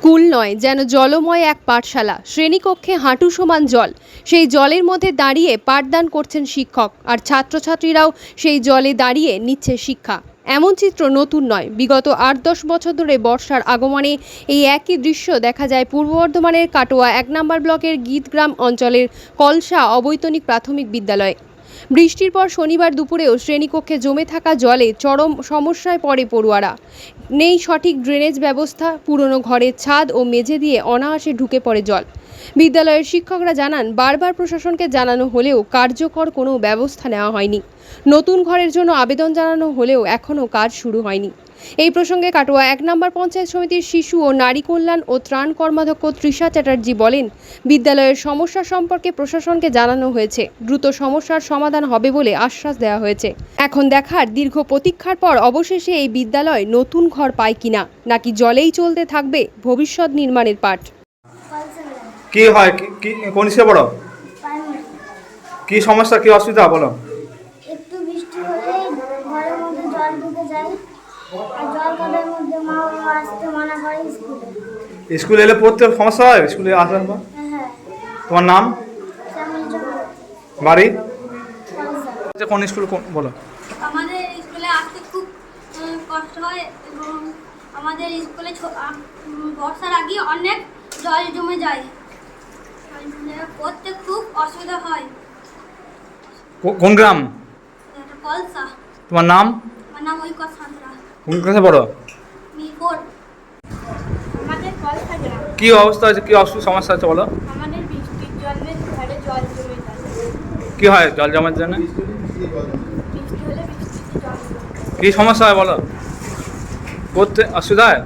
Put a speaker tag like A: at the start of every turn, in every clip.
A: School নয়, যেন জলময় এক পাঠশালা। শ্রেণীকক্ষে হাঁটু সমান জল। সেই জলের মধ্যে দাঁড়িয়ে পাঠদান করছেন শিক্ষক, আর ছাত্রছাত্রীরাও সেই জলে দাঁড়িয়ে নিচ্ছে শিক্ষা। এমন চিত্র নতুন নয়। বিগত ৮-১০ বছর ধরে বর্ষার আগমনে এই একই দৃশ্য দেখা যায় পূর্ব বর্ধমানের কাটোয়া ১ নম্বর ব্লকের গীতগ্রাম অঞ্চলের কলসা অবৈতনিক প্রাথমিক বিদ্যালয়ে। বৃষ্টির পর শনিবার দুপুরেও শ্রেণীকক্ষে জমে থাকা জলে চরম সমস্যায় পড়ে পড়ুয়ারা। নেই সঠিক ড্রেনেজ ব্যবস্থা, পুরনো ঘরের ছাদ ও মেঝে দিয়ে অনায়াসে ঢুকে পড়ে জল। বিদ্যালয়ের শিক্ষকরা জানান, বারবার প্রশাসনকে জানানো হলেও কার্যকর কোনো ব্যবস্থা নেওয়া হয়নি। নতুন ঘরের জন্য আবেদন জানানো হলেও এখনও কাজ শুরু হয়নি। এই প্রসঙ্গে কাটোয়া ১ নম্বর পঞ্চায়েত সমিতির শিশু ও নারী কল্যাণ ও ত্রাণ কর্মাধ্যক্ষ তৃষা চ্যাটার্জি বলেন, বিদ্যালয়ের সমস্যা সম্পর্কে প্রশাসনকে জানানো হয়েছে। দ্রুত সমস্যার সমাধান হবে বলে আশ্বাস দেওয়া হয়েছে। এখন দেখার, দীর্ঘ প্রতীক্ষার পর অবশেষে এই বিদ্যালয় নতুন ঘর পায় কিনা, নাকি জলেই চলতে থাকবে ভবিষ্যৎ নির্মাণের পাঠ।
B: কি হয় কি কোন স্কুলে পড়ো? কি সমস্যা, কি অসুবিধা বলো?
C: একটু বৃষ্টি হলেই ঘরের মধ্যে জল ঢুকে যায়, আর জল কাদার মধ্যে মা বাবা আসতে মানা করে স্কুলে।
B: স্কুলে এলে পড়তে সমস্যা হয়? স্কুলে আসার পর
C: হ্যাঁ,
B: তোমার নাম,
C: শ্যামল চক্র,
B: বাড়ি,
C: কলসা।
B: কোন স্কুল বলো?
D: আমাদের স্কুলে আসতে খুব কষ্ট হয় এবং আমাদের স্কুলে বর্ষার আগে অনেক জল জমে যায়, পড়তে খুব অসুবিধা হয়।
B: কোন গ্রাম?
D: কলসা।
B: তোমার নাম?
D: আমার নাম ঐক্য সাঁতরা।
B: কোন ক্লাসে পড়ো?
D: মিরপুর।
E: আমাদের কলসা গ্রাম।
B: কি অবস্থা আছে, কি সমস্যা আছে বলো?
E: আমাদের বৃষ্টির জলে ঘরে জল জমে যায়।
B: কি হয় জল জমার জন্য?
E: বৃষ্টি হলে বৃষ্টিতে জল জমে।
B: কি সমস্যা হয় বলো? পড়তে অসুবিধা হয়?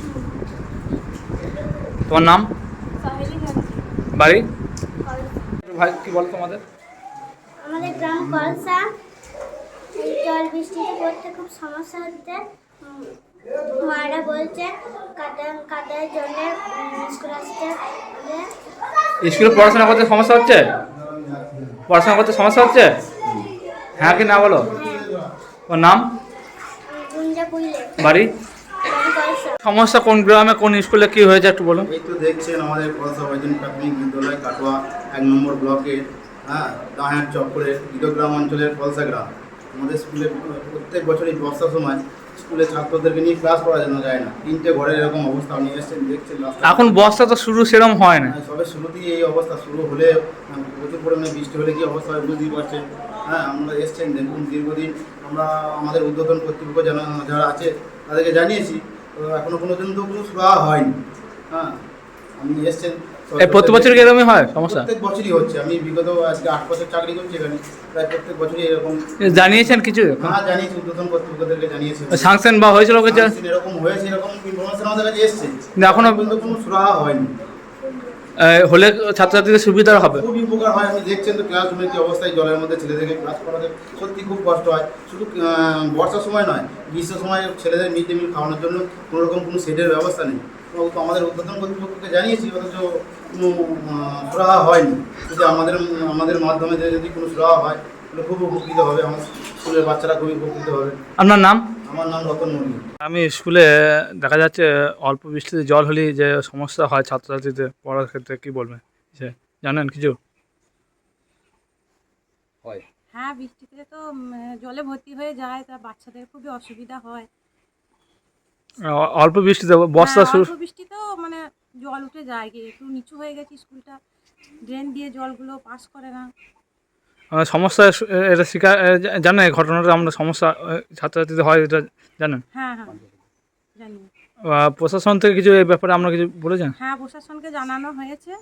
B: তোমার নাম,
E: সহেলি গান্ধী।
B: বাড়ি,
E: কলসা।
B: ভাই কি বলো তোমাদের?
C: আমাদের গ্রাম কলসা। এই জল বৃষ্টিতে পড়তে খুব সমস্যা হচ্ছে। মারা বলছে কাদার জন্য স্কুল আসতে হবে।
B: স্কুলে পড়াশোনা করতে সমস্যা হচ্ছে? পড়াশোনা করতে সমস্যা হচ্ছে? হ্যাঁ কি না বলো? ওর নাম,
C: গুঞ্জা পুইলে,
B: বাড়ি,
C: বাড়ি কলসা।
B: সমস্যা কোন গ্রামে কোন স্কুলে কি হয়েছে একটু বলো?
F: এই তো দেখছেন আমাদের কলসা অবৈতনিক প্রাথমিক বিদ্যালয় কাটোয়া ১ নম্বর ব্লকের দাহার চক্করের গীতগ্রাম অঞ্চলের কলসা গ্রাম। আমাদের স্কুলে প্রত্যেক বছরই বর্ষার সময় স্কুলে ছাত্রদেরকে নিয়ে ক্লাস করানো যায় না। 3টে ঘরের এরকম অবস্থা আপনি এসেছেন দেখছেন।
B: এখন বর্ষা তো শুরু সেরকম হয় না।
F: সবে শুরুতেই এই অবস্থা শুরু হলে প্রচুর পরিমাণে বৃষ্টি হলে কী অবস্থা হয় বুঝতেই পারছেন। আমরা এসছেন দেখুন, দীর্ঘদিন আমরা আমাদের ঊর্ধ্বতন কর্তৃপক্ষ যারা আছে তাদেরকে জানিয়েছি, তো এখনো পর্যন্ত কোনো সুরাহা হয়নি। আপনি এসছেন,
B: প্রতি বছর কি এরকমই হয় সমস্যা?
F: প্রত্যেক বছরই হচ্ছে। আমি বিগত আজকে 8 বছর চাকরি করছি এখানে, প্রায় প্রত্যেক বছরই এরকম।
B: জানিয়েছেন কিছু?
F: জানিয়েছি, ঊর্ধ্বতন কর্তৃপক্ষদেরকে জানিয়েছি।
B: সাংশন বা হয়েছিল কিছু?
F: এরকম হয়েছে, এরকম ইনফরমেশন আমাদের কাছে এসছে,
B: এখনো
F: পর্যন্ত কোনো সুরাহা হয়নি।
B: হলে ছাত্রছাত্রীদের সুবিধা হবে,
F: খুবই উপকার হয়। আপনি দেখছেন তো ক্লাসরুমের কি অবস্থায়, জলের মধ্যে ছেলেদেরকে ক্লাস করাতে সত্যি খুব কষ্ট হয়। শুধু বর্ষার সময় নয়, গ্রীষ্মের সময় ছেলেদের মিড ডে মিল খাওয়ানোর জন্য কোনো রকম কোনো সেটের ব্যবস্থা নেই। তো আমাদের ঊর্ধ্বতন কর্তৃপক্ষকে জানিয়েছি, অথচ কোনো সুরাহা হয়নি। যদি আমাদের মাধ্যমে যদি কোনো সুরাহা হয় তাহলে খুব উপকৃত হবে, আমার স্কুলের বাচ্চারা খুবই উপকৃত হবে।
B: আপনার নাম?
F: আমার নাম রতন মল্লিক।
B: আমি স্কুলে দেখা যাচ্ছে অল্প বৃষ্টিতে জল হলেই যে সমস্যা হয় ছাত্রছাত্রীদের পড়ার ক্ষেত্রে, কি বলবেন? জানেন কিছু?
E: হ্যাঁ, বৃষ্টিতে তো জলে ভর্তি হয়ে যায়, তা বাচ্চাদের খুবই অসুবিধা হয়।
B: অল্প বৃষ্টিতে বর্ষা শুরু,
E: অল্প বৃষ্টিতেও জল উঠে যায়, একটু নিচু হয়ে গেছে স্কুলটা, ড্রেন দিয়ে জলগুলো পাস করে না।
B: সমস্যা এটা শিকার জানেন? এই ঘটনাটা আমরা সমস্যা ছাত্রছাত্রীদের হয়, এটা জানেন?
E: হ্যাঁ, জানি।
B: প্রশাসন থেকে কিছু এই ব্যাপারে আমরা কিছু বলেছেন?
E: হ্যাঁ, প্রশাসনকে জানানো হয়েছে,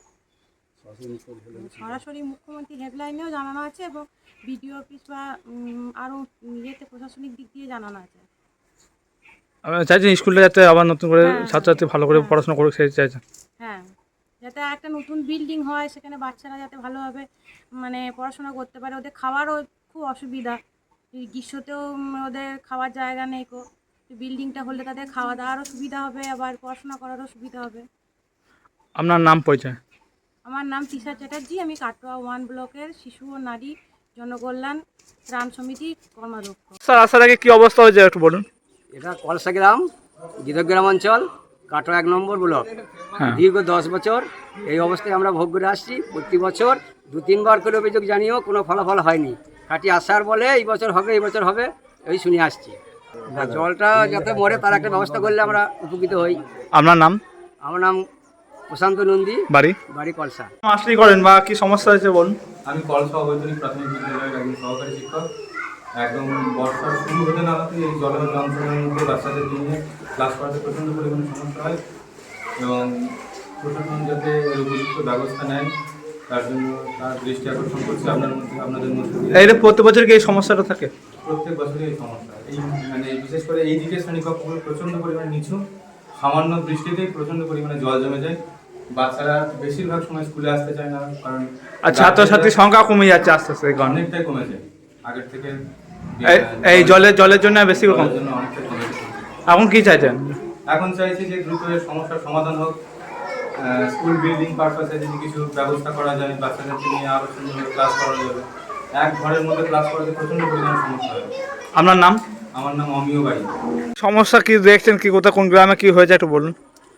E: সরাসরি মুখ্যমন্ত্রী হেল্পলাইনেও জানানো আছে এবং বিডিও অফিস বা আরও প্রশাসনিক দিক দিয়ে জানানো আছে।
B: আমি চাইছেন স্কুলটা যাতে আবার নতুন করে ছাত্রছাত্রী ভালো করে পড়াশোনা করুক, সেই চাইছেন?
E: হ্যাঁ, যাতে একটা নতুন বিল্ডিং হয়, সেখানে বাচ্চারা যাতে ভালোভাবে পড়াশোনা করতে পারে। ওদের খাওয়ারও খুব অসুবিধা, এই গ্রীষ্মতেও ওদের খাওয়ার জায়গা নেই। বিল্ডিংটা হলে তাদের খাওয়া দাওয়ারও সুবিধা হবে, আবার পড়াশোনা করারও সুবিধা হবে।
B: আপনার নাম, পরিচয়?
E: আমার নাম তৃষা চ্যাটার্জি, আমি কাটোয়া 1 ব্লকের শিশু ও নারী জনকল্যাণ ত্রাণ সমিতির কর্মাধ্যক্ষ।
B: স্যার, আসার আগে কি অবস্থা হয়েছে একটু বলুন?
G: এটা কলসা গ্রাম, গীতগ্রাম অঞ্চল। কাটো 1 নম্বর ব্লক।
B: হ্যাঁ।
G: দীর্ঘ 10 বছর এই অবস্থায় আমরা ভোগ করে আসছি। প্রতি বছর 2-3 বার করে অভিযোগ জানিয়েও কোনো ফলাফল হয়নি। খাঁটি আশার বলে এই বছর হবে এই শুনে আসছি। আর জলটা যাতে মরে তার একটা ব্যবস্থা করলে আমরা উপকৃত হই।
B: আপনার নাম?
G: আমার নাম প্রশান্ত নন্দী, বাড়ি কলসা।
B: মাস্টারি করেন বা কি সমস্যা হয়েছে বলুন।
H: আমি কলসা অবৈতনিক প্রাথমিক বিদ্যালয়ের একজন সহকারী শিক্ষক। একদম বর্ষার শুরু হতে না হতে এই জলের যন্ত্রণার মধ্যে বাচ্চাদের নিয়ে ক্লাস করাতে প্রচণ্ড পরিমাণে সমস্যা হয় এবং প্রশাসন যাতে এর উপযুক্ত ব্যবস্থা নেয় তার জন্য তার দৃষ্টি আকর্ষণ করছে আপনাদের মধ্যে।
B: এইটা প্রতি বছর কি এই সমস্যাটা থাকে?
H: প্রত্যেক বছরই এই সমস্যা, এই মানে বিশেষ করে এই দিকের শ্রেণীকক্ষগুলো প্রচণ্ড পরিমাণে নিচু, সামান্য বৃষ্টিতেই প্রচণ্ড পরিমাণে জল জমে যায়। বাচ্চারা বেশিরভাগ সময় স্কুলে আসতে চায় না, কারণ
B: আর ছাত্রছাত্রীর সংখ্যা কমে যাচ্ছে আস্তে আস্তে এই কারণে।
H: অনেকটাই কমেছে আগের থেকে।
B: এই জলের জন্য বেশি কম।
H: জন্য অনেকটাই কমেছে।
B: এখন কি চাইছেন?
H: এখন চাইছি যে দ্রুত এর সমস্যার সমাধান হোক। স্কুল বিল্ডিং পারপাসে যদি কিছু ব্যবস্থা করা যায়, বাচ্চাদেরকে নিয়ে আরও সুন্দরভাবে ক্লাস করা যাবে। এক ঘরের মধ্যে ক্লাস করাতে প্রচণ্ড পরিমাণে সমস্যা হয়।
B: আপনার নাম?
H: আমার নাম অমিয় বাড়ি।
B: সমস্যা কি দেখছেন, কি কোথায় কোন গ্রামে কি হয়েছে একটু বলুন।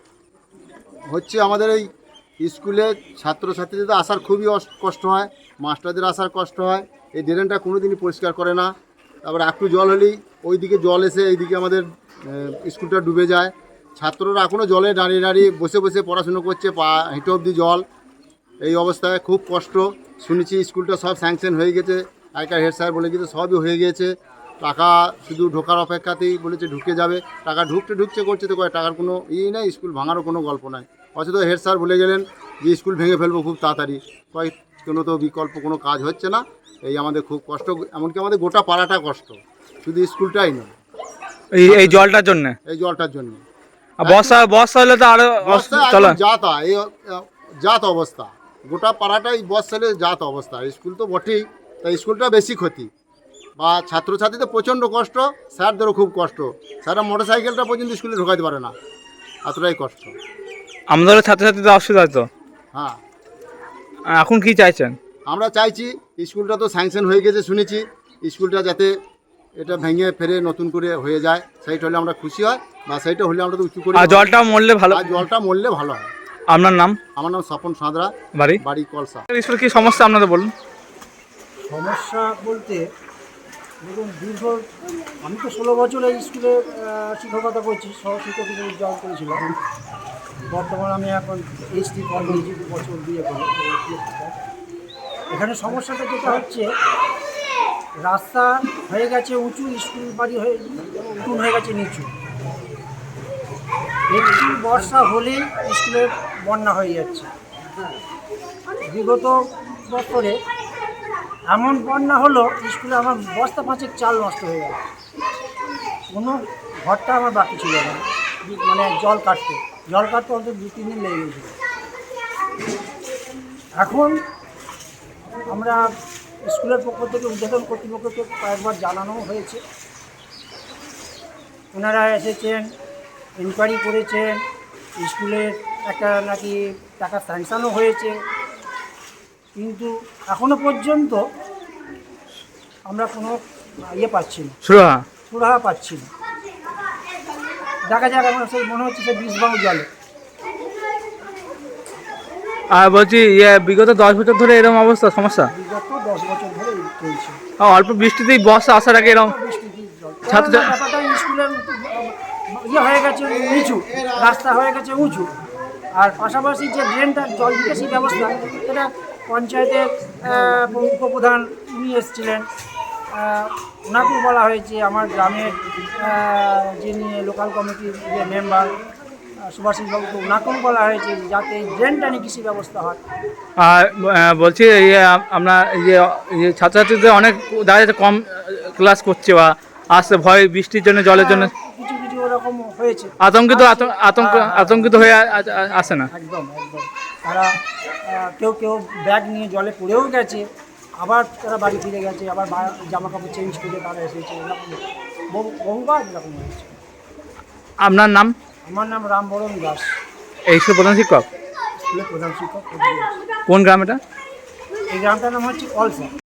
F: হচ্ছে আমাদের এই স্কুলে ছাত্রছাত্রীদের আসার খুবই কষ্ট হয়, মাস্টারদের আসার কষ্ট হয়। এই ড্রেনটা কোনো দিনই পরিষ্কার করে না। তারপর একটু জল হলেই ওইদিকে জল এসে এইদিকে আমাদের স্কুলটা ডুবে যায়। ছাত্ররা এখনও জলে দাঁড়িয়ে দাঁড়িয়ে বসে বসে পড়াশুনো করছে, পা হেঁটে অবধি জল। এই অবস্থায় খুব কষ্ট। শুনেছি স্কুলটা সব স্যাংশন হয়ে গেছে, আগেকার হেড স্যার বলে গেছে সবই হয়ে গেছে, টাকা শুধু ঢোকার অপেক্ষাতেই বলেছে ঢুকে যাবে। টাকা ঢুকছে করছে তো টাকার কোনো নেই, স্কুল ভাঙারও কোনো গল্প নাই। অথচ হেড স্যার বলে গেলেন যে স্কুল ভেঙে ফেলবো খুব তাড়াতাড়ি। কোনো তো বিকল্প কোনো কাজ হচ্ছে না। এই আমাদের খুব কষ্ট, এমনকি আমাদের গোটা পাড়াটা কষ্ট, শুধু স্কুলটাই নয়।
B: এই জলটার জন্য?
F: এই জলটার জন্য।
B: বর্ষা হলে তো আরো চলে
F: জাত অবস্থা, গোটা পাড়াটাই বর্ষা হলে জাত অবস্থা। স্কুল তো বটেই, তাই স্কুলটা বেশি ক্ষতি। বা ছাত্রছাত্রীদের প্রচণ্ড কষ্ট, স্যারদেরও খুব কষ্ট। স্যাররা মোটর সাইকেলটা পর্যন্ত স্কুলে ঢোকাতে পারে না, এতটাই কষ্ট।
B: আমাদের ছাত্রছাত্রীদের অসুবিধা হতো।
F: হ্যাঁ,
B: এখন কি চাইছেন?
F: আমরা চাইছি স্কুলটা তো স্যাংশন হয়ে গেছে শুনেছি, স্কুলটা যাতে এটা ভেঙে ফেরে নতুন করে হয়ে যায়, সেইটা হলে আমরা খুশি হয়। বা সেইটা হলে আমরা তো উঁচু করি।
B: আর জলটা মরলে ভালো।
F: আর জলটা মরলে ভালো হয়।
B: আপনার নাম?
F: আমার নাম স্বপন সাঁতরা, বাড়ি কলসা।
B: স্কুলে কি সমস্যা আপনাদের বলুন।
I: সমস্যা বলতে দেখুন, আমি তো 16 বছর এই স্কুলে শিক্ষকতা করছি, সহশিক্ষক হিসেবে জব করেছিলাম। বর্তমানে আমি এখন HD ফর্ম নিয়েছি 2 বছর বিয়ে করে। এখানে সমস্যাটা যেটা হচ্ছে, রাস্তা হয়ে গেছে উঁচু, স্কুল বাড়ি উঁচু হয়ে গেছে নিচু। একটু বর্ষা হলেই স্কুলের বন্যা হয়ে যাচ্ছে। বিগত বছরে এমন বন্যা হলো, স্কুলে আমার বস্তা 5 চাল নষ্ট হয়ে গেল। কোনো ঘরটা আমার বাকি ছিল না, মানে জল কাটতে অন্তত 2-3 দিন লেগে গেছিল। এখন আমরা স্কুলের পক্ষ থেকে উদ্বোধন কর্তৃপক্ষকে কয়েকবার জানানো হয়েছে। ওনারা এসেছেন, ইনকোয়ারি করেছেন, স্কুলের একটা নাকি টাকা স্যাংশনও হয়েছে, কিন্তু এখনো পর্যন্ত আমরা কোনো পাচ্ছি না, সুরাহা পাচ্ছি না। দেখা যাক, আমার সেই মনে হচ্ছে সে বিষবাণু জলে।
B: আর বলছি বিগত 10 বছর ধরে এরকম অবস্থা সমস্যা?
I: বিগত 10 বছর ধরে চলছে।
B: অল্প বৃষ্টিতেই বর্ষা আসার আগে এরকম
I: ব্যাপারটা স্কুলের হয়ে গেছে নিচু, রাস্তা হয়ে গেছে উঁচু, আর পাশাপাশি যে ড্রেনটা জল নিকাশি ব্যবস্থা, এটা পঞ্চায়েতের উপপ্রধান উনি এসেছিলেন, ওনাকেও বলা হয়েছে। আমার গ্রামের যিনি লোকাল কমিটির যে মেম্বার সুভাষিসবাবুকে, ওনাকেও বলা হয়েছে যাতে ড্রেনটা নিকাশি ব্যবস্থা হয়।
B: আর বলছি আপনার ছাত্রছাত্রীদের অনেক দেখা যাচ্ছে কম ক্লাস করছে বা আসতে ভয়, বৃষ্টির জন্য জলের জন্য
I: কিছু ওরকম হয়েছে,
B: আতঙ্কিত হয়ে আসে না।
I: একদম তারা কেউ ব্যাগ নিয়ে জলে পড়েও গেছে, আবার তারা বাড়ি ফিরে গেছে, আবার জামা কাপড় চেঞ্জ করে তারা এসেছে। বহুবার এরকম হয়েছে।
B: আপনার নাম?
I: আমার নাম রামবরণ দাস।
B: এই প্রধান শিক্ষক?
I: স্কুলের প্রধান শিক্ষক।
B: কোন গ্রাম এটা?
I: এই গ্রামটার নাম হচ্ছে কলসা।